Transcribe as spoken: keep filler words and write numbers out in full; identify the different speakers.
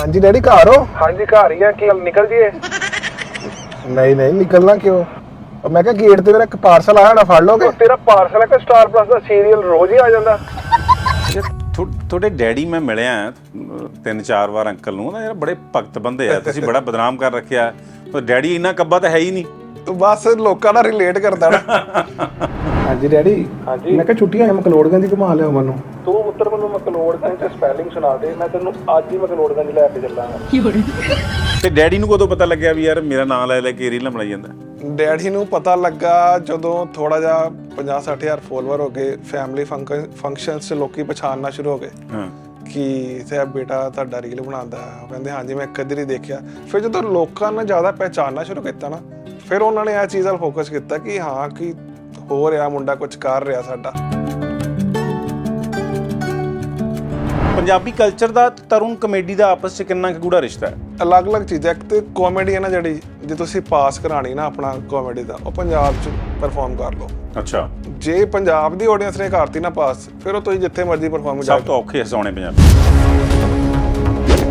Speaker 1: हाँ जी डैडी घर हो?
Speaker 2: हाँ जी घर ही है कि निकल जिए।
Speaker 1: नहीं नहीं निकलना क्यों? मैं क्या गेट ते मेरा एक पार्सल आया ना फड़ लोगे?
Speaker 2: तेरा पार्सल है कि स्टार प्लस ਦਾ ਸੀਰੀਅਲ ਰੋਜ਼ ਹੀ ਆ ਜਾਂਦਾ।
Speaker 3: ਤੁਹਾਡੇ ਡੈਡੀ ਮੈਂ ਮਿਲਿਆ ਤਿੰਨ ਚਾਰ ਵਾਰ ਅੰਕਲ ਨੂੰ ਨਾ ਯਾਰ ਬੜੇ ਭਗਤ ਬੰਦੇ ਆ ਤੁਸੀਂ ਬੜਾ ਬਦਨਾਮ ਕਰ ਰੱਖਿਆ ਤੇ ਡੈਡੀ ਇੰਨਾ ਕੱਬਾ ਤਾਂ ਹੈ ਹੀ ਨਹੀਂ।
Speaker 1: बस लोगों ਨਾਲ रिलेट करता ना। हाँ जी डैडी
Speaker 2: हाँ जी
Speaker 1: मैं क्या छुट्टियां है मकलोड़गंज घुमा लिया मनु।
Speaker 2: ਤੂੰ ਪੁੱਤਰ ਮੈਨੂੰ ਮਕਲੋੜਗੰਜ ਤੇ ਸਪੈਲਿੰਗ ਸੁਣਾ ਦੇ ਮੈਂ ਤੈਨੂੰ ਅੱਜ ਹੀ ਮਕਲੋੜਗੰਜ ਲੈ ਕੇ ਚੱਲਾਂਗਾ।
Speaker 3: ਤੇ ਡੈਡੀ ਨੂੰ ਕਦੋਂ ਪਤਾ ਲੱਗਿਆ ਵੀ ਯਾਰ ਮੇਰਾ ਨਾਮ ਲੈ ਲੈ ਕੇ ਰੀਲਾਂ ਬਣਾਈ ਜਾਂਦਾ?
Speaker 1: ਡੈਡੀ ਨੂੰ ਪਤਾ ਲੱਗਾ ਜਦੋਂ ਥੋੜਾ ਜਿਹਾ ਪੰਜਾਹ ਸੱਠ ਹਜ਼ਾਰ ਫੋਲੋਵਰ ਹੋ ਗਏ ਫੈਮਿਲੀ ਫੰਕਸ਼ਨਸ 'ਚ ਲੋਕੀ ਪਛਾਣਨਾ ਸ਼ੁਰੂ ਹੋ ਗਏ
Speaker 3: ਹਾਂ
Speaker 1: ਕਿ ਤੇ ਬੇਟਾ ਤੁਹਾਡਾ ਰੀਲ ਬਣਾਉਂਦਾ ਹੈ। ਕਹਿੰਦੇ ਹਾਂਜੀ ਮੈਂ ਕਦੇ ਨਹੀਂ ਦੇਖਿਆ। ਫਿਰ ਜਦੋਂ ਲੋਕਾਂ ਨੇ ਜ਼ਿਆਦਾ ਪਹਿਚਾਨਣਾ ਸ਼ੁਰੂ ਕੀਤਾ ਨਾ ਫਿਰ ਉਹਨਾਂ ਨੇ ਇਹ ਚੀਜ਼ 'ਤੇ ਫੋਕਸ ਕੀਤਾ ਕਿ ਹਾਂ ਕਿ ਹੋ ਰਿਹਾ ਮੁੰਡਾ ਕੁਝ ਕਰ ਰਿਹਾ ਸਾਡਾ।
Speaker 3: ਪੰਜਾਬੀ ਕਲਚਰ ਦਾ ਤਰੁਣ ਕਮੇਡੀ ਦਾ ਆਪਸ 'ਚ ਕਿੰਨਾ ਕੁ ਗੂੜਾ ਰਿਸ਼ਤਾ ਹੈ?
Speaker 1: ਅਲੱਗ-ਅਲੱਗ ਚੀਜ਼ਾਂ। ਇੱਕ ਤੇ ਕਾਮੇਡੀ ਹੈ ਨਾ ਜਿਹੜੀ ਜੇ ਤੁਸੀਂ ਪਾਸ ਕਰਾਣੀ ਨਾ ਆਪਣਾ ਕਾਮੇਡੀ ਦਾ ਉਹ ਪੰਜਾਬ 'ਚ ਪਰਫਾਰਮ ਕਰ ਲਓ।
Speaker 3: ਅੱਛਾ
Speaker 1: ਜੇ ਪੰਜਾਬ ਦੀ ਆਡੀਅנס ਨੇ ਕਰਤੀ ਨਾ ਪਾਸ ਫਿਰ ਉਹ ਤੁਸੀਂ ਜਿੱਥੇ ਮਰਜ਼ੀ ਪਰਫਾਰਮ
Speaker 3: ਸਭ ਤੋਂ ਔਖੇ ਹਸਾਉਣੇ ਪੰਜਾਬੀ।